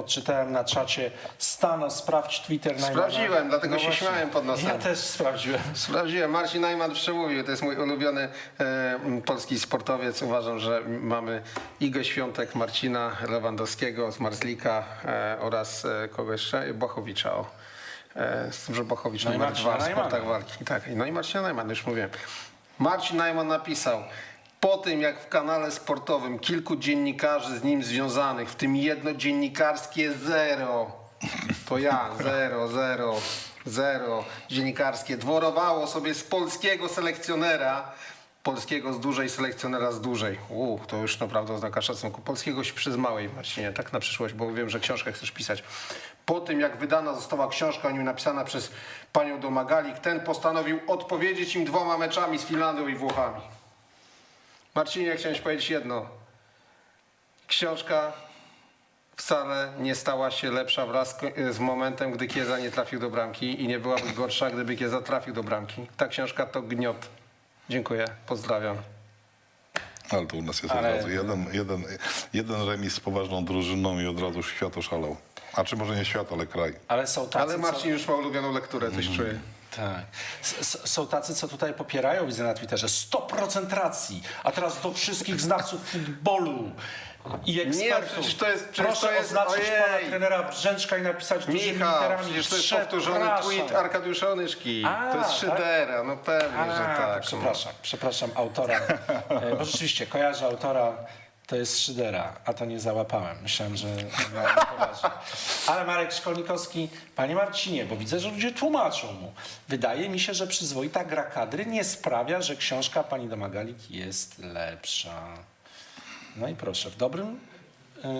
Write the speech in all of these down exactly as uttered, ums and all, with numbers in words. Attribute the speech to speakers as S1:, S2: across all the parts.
S1: odczytałem na czacie. Stano, sprawdź Twitter Najmana.
S2: Sprawdziłem, dlatego
S1: No
S2: się
S1: właśnie.
S2: śmiałem pod nosem.
S1: Ja też sprawdziłem.
S2: Sprawdziłem. Marcin Najman przemówił. To jest mój ulubiony e, polski sportowiec. Uważam, że mamy Igę Świątek, Marcina Lewandowskiego z Marzlika e, oraz e, kogo jeszcze? Błachowicza. O. E, z tym, że Błachowicz
S1: No i
S2: numer
S1: Marcina
S2: dwa w sportach
S1: Najmana.
S2: walki. Tak. No i Marcina Najman, już mówiłem. Marcin Najman napisał: po tym jak w kanale sportowym kilku dziennikarzy z nim związanych, w tym jedno dziennikarskie zero, to ja, zero, zero, zero dziennikarskie, dworowało sobie z polskiego selekcjonera, polskiego z dużej, selekcjonera z dużej. Uuu, to już naprawdę oznaka szacunku. Polskiego przy z małej, Marcinie, tak na przyszłość, bo wiem, że książkę chcesz pisać. Po tym jak wydana została książka o nim napisana przez panią Domagalik, ten postanowił odpowiedzieć im dwoma meczami z Finlandią i Włochami. Marcinie, chciałem ci powiedzieć jedno. Książka wcale nie stała się lepsza wraz z momentem, gdy Kieza nie trafił do bramki i nie byłaby gorsza, gdyby Kieza trafił do bramki. Ta książka to gniot. Dziękuję, pozdrawiam.
S3: Ale to u nas jest
S1: Ale-
S3: od razu jeden, jeden, jeden remis z poważną drużyną i od razu świat oszalał. A czy może nie świat, ale kraj.
S1: Ale są tacy,
S2: Ale Marcin już ma ulubioną lekturę, coś czuję.
S1: Tak. S- s- Są tacy, co tutaj popierają, widzę na Twitterze, sto procent racji. A teraz do wszystkich znawców futbolu i ekspertów.
S2: przecież to jest- przecież
S1: Proszę
S2: to jest-
S1: oznaczyć
S2: ojej.
S1: pana trenera Brzęczka i napisać dużymi
S2: Michał,
S1: literami.
S2: przecież to jest powtórzony
S1: Przepraszam.
S2: tweet Arkadiusza Onyszki.
S1: A,
S2: To jest
S1: tak?
S2: Szydera, no pewnie,
S1: A,
S2: że
S1: to
S2: tak.
S1: przepraszam, przepraszam autora. E, Bo rzeczywiście kojarzę autora, to jest Szydera, a to nie załapałem. Myślałem, że miałem poważnie. Ale Marek Szkolnikowski, panie Marcinie, bo widzę, że ludzie tłumaczą mu. Wydaje mi się, że przyzwoita gra kadry nie sprawia, że książka pani Domagalik jest lepsza. No i proszę, w dobrym... Yy,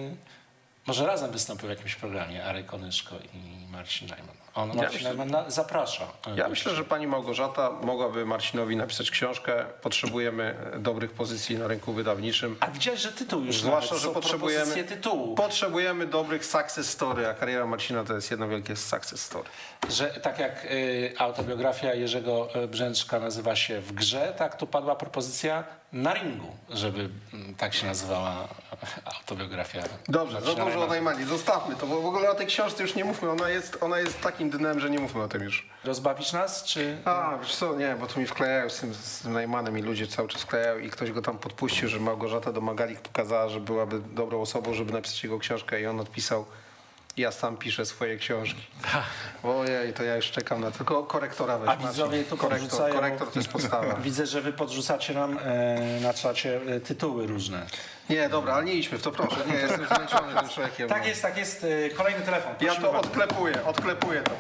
S1: może razem wystąpił w jakimś programie Arek Onyszko i Marcin Najman. On, Marcin
S2: myślę-
S1: Najman na, zaprasza.
S2: Ja myślę, że pani Małgorzata mogłaby Marcinowi napisać książkę. Potrzebujemy dobrych pozycji na rynku wydawniczym.
S1: A widziałeś, że tytuł już
S2: Zwłaszcza,
S1: nawet,
S2: że
S1: są
S2: potrzebujemy,
S1: propozycje tytułu.
S2: potrzebujemy dobrych success story, a kariera Marcina to jest jedno wielkie success story.
S1: Że tak jak y, autobiografia Jerzego y, Brzęczka nazywa się W grze, tak tu padła propozycja na ringu, żeby mm, tak się nazywała autobiografia.
S2: Dobrze, za
S1: Marcina
S2: dużo o
S1: Najmana.
S2: Najmanie. Zostawmy to, bo w ogóle o tej książce już nie mówmy. Ona jest, ona jest takim dnem, że nie mówmy o tym już.
S1: Rozbawisz nas, czy...
S2: A, wiesz co, nie, bo tu mi wklejają z tym, z tym Najmanem i ludzie cały czas wklejają i ktoś go tam podpuścił, że Małgorzata Domagalik pokazała, że byłaby dobrą osobą, żeby napisać jego książkę i on odpisał: ja sam piszę swoje książki. Ojej, to ja już czekam na tylko korektora weź,
S1: A widzowie
S2: Marcin.
S1: tu
S2: korektor,
S1: podrzucają-
S2: korektor to jest podstawa.
S1: Widzę, że wy podrzucacie nam e, na czacie e, tytuły różne.
S2: Nie, dobra, ale nie idźmy w to, proszę. Nie, jestem zmęczony tym człowiekiem.
S1: Tak
S2: no.
S1: jest, tak jest. E, kolejny telefon.
S2: Ja
S1: Prosimy
S2: to
S1: bardzo.
S2: odklepuję, odklepuję to.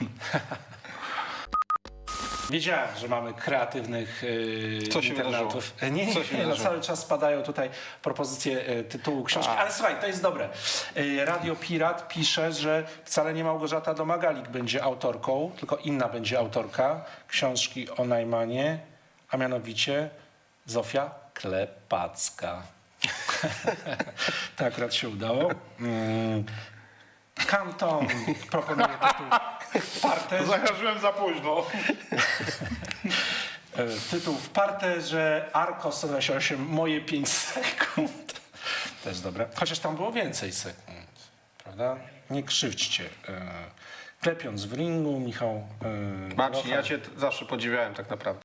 S1: Wiedziałem, że mamy kreatywnych yy,
S2: Co się
S1: internautów. E, Nie, nie,
S2: Co się
S1: nie no,
S2: wydarzyło?
S1: cały czas spadają tutaj propozycje e, tytułu książki. Ale słuchaj, to jest dobre. E, Radio Pirat pisze, że wcale nie Małgorzata Domagalik będzie autorką, tylko inna będzie autorka książki o Najmanie, a mianowicie Zofia Klepacka. To akurat się udało. Mm. Kanton proponuje tytuł w parterze.
S3: Zajarzyłem za późno.
S1: E, Tytuł w parterze, Arko sto dwadzieścia osiem, moje pięć sekund. Też dobre. Chociaż tam było więcej sekund, prawda? Nie krzywdźcie. E, Klepiąc w ringu, Michał... e,
S2: Marcin,
S1: Rocha.
S2: ja cię t- zawsze podziwiałem tak naprawdę.